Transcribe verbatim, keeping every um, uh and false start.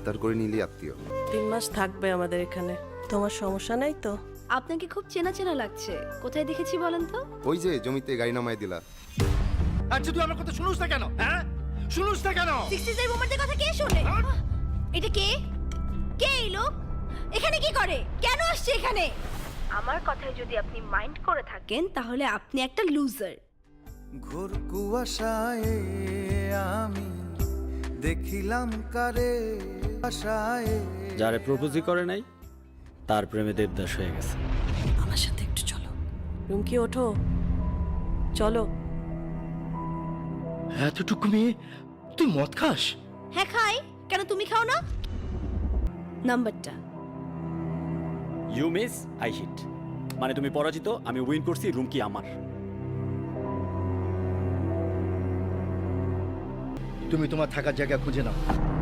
আবদার করে নিলি আত্মীয়। তিন মাস থাকবে আমাদের এখানে, তোমার সমস্যা নাই তো? আপনাকে খুব চেনা চেনা লাগছে, কোথায় দেখেছি বলেন তো? ওই যে জমিতে গাড়ি নামায় দিলা। আচ্ছা তুই আমার কথা শুনুস না কেন? হ্যাঁ শুনুস না কেন? সিক্সটিজ এর বোমারদের কথা কে শোনে? এটা কে? কে এই লোক? এখানে কি করে? কেন আসছে এখানে? আমার কথায় যদি আপনি মাইন্ড করে থাকেন তাহলে আপনি একটা লুজার। ঘোর কুয়াশায় আমি দেখিলাম কারে আশায়। যারে প্রপোজই করে নাই তার প্রেমে দেবদাস হয়ে গেছে। আমার সাথে একটু চলো। রুমকি ওঠো, চলো। এতটুকু মেয়ে তুই মদ খাস? হ্যাঁ খাই, কেন তুমি খাও না? নাম্বারটা ইউ মিস আই হিট, মানে তুমি পরাজিত, আমি উইন করছি, রুম কি আমার। তুমি তোমার থাকার জায়গা খুঁজে নাও।